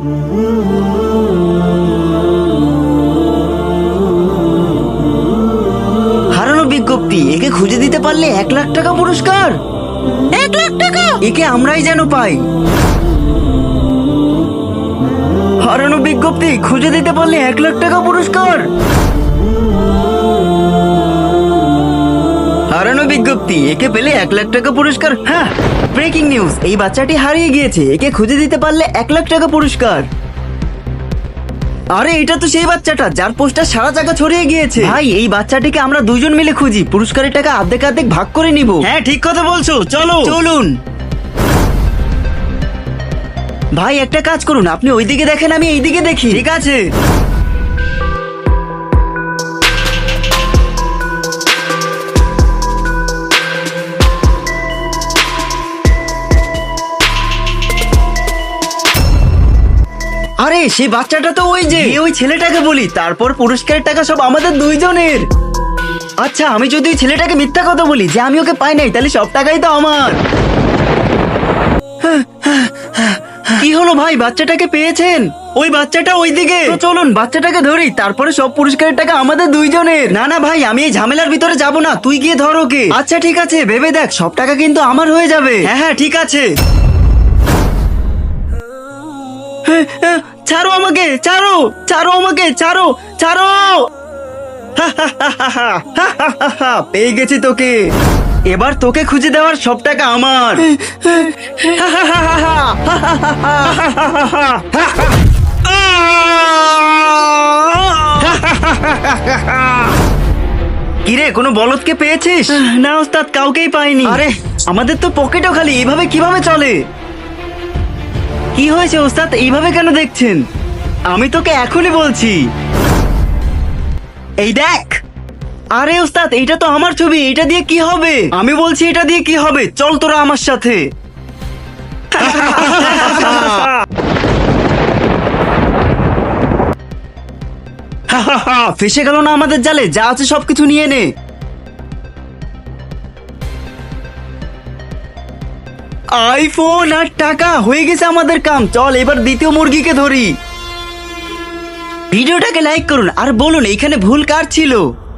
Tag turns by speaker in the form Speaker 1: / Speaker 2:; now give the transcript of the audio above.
Speaker 1: হারানো বিজ্ঞপ্তি, একে খুঁজে দিতে পারলে 1,00,000 টাকা পুরস্কার।
Speaker 2: 1,00,000 টাকা?
Speaker 1: একে আমরাই যেন পাই। হারানো বিজ্ঞপ্তি, খুঁজে দিতে পারলে 1,00,000 টাকা পুরস্কার। হারানো বিজ্ঞপ্তি, একে পেলে 1,00,000 টাকা পুরস্কার। হ্যাঁ, ব্রেকিং নিউজ, এই বাচ্চাটি হারিয়ে গিয়েছে, একে খুঁজে দিতে পারলে 1,00,000 টাকা পুরস্কার। আরে এটা তো সেই বাচ্চাটা যার পোস্টার সারা জায়গা ছড়িয়ে গিয়েছে। ভাই, এই বাচ্চাটিকে আমরা দুজন মিলে খুঁজি, পুরস্কারের টাকা অর্ধেক অর্ধেক ভাগ করে নিব।
Speaker 2: হ্যাঁ, ঠিক কথা বলছো, চলো।
Speaker 1: চলুন ভাই, একটা কাজ করুন, আপনি ওইদিকে দেখেন, আমি এইদিকে দেখি।
Speaker 2: ঠিক আছে।
Speaker 1: আরে সেই বাচ্চাটা তো ওই যে, ওই ছেলেটাকে বলি, তারপর পুরস্কারের টাকা সব আমাদের দুইজনের। আচ্ছা, আমি যদি ওই ছেলেটাকে মিথ্যা কথা বলি যে আমি ওকে পাই নাই, তাহলে সব টাকাই তো আমার। কি হলো ভাই, বাচ্চাটাকে পেয়েছেন?
Speaker 2: ওই বাচ্চাটা ওইদিকে।
Speaker 1: তো চলুন বাচ্চাটাকে ধরি, তারপরে সব পুরস্কারের টাকা আমাদের দুইজনের। না না ভাই, আমি এই ঝামেলার ভিতরে যাব না, তুই গিয়ে ধর ওকে। আচ্ছা ঠিক আছে, ভেবে দেখ, সব টাকা কিন্তু আমার হয়ে যাবে।
Speaker 2: হ্যাঁ হ্যাঁ, ঠিক আছে।
Speaker 1: ছাড়ো আমাকে, ছাড়ো, ছাড়ো আমাকে, ছাড়ো, ছাড়ো। পেয়ে গেছি তোকে, এবার তোকে খুঁজে দেওয়ার সব টাকা আমার। কিরে, কোনো বলদকে পেয়েছিস?
Speaker 2: না ওস্তাদ, কাউকেই পাইনি।
Speaker 1: আরে আমাদের তো পকেটও খালি, এইভাবে কিভাবে চলে? কি হয়েছে ওস্তাদ, এইভাবে কেন দেখছেন? আমি তোকে এখনই বলছি, এই দেখ। আরে ওস্তাদ, এইটা তো আমার ছবি, এটা দিয়ে কি হবে? আমি বলছি এটা দিয়ে কি হবে, চল তোরা আমার সাথে। ফেসে গেল না আমাদের জালে, যা আছে সবকিছু নিয়ে নে। আইফোন আর টাকা, হয়ে গেছে আমাদের কাম। চল এবার দ্বিতীয় মুরগিকে ধরি। ভিডিওটাকে লাইক করুন আর বলুন এইখানে ভুল কার ছিল।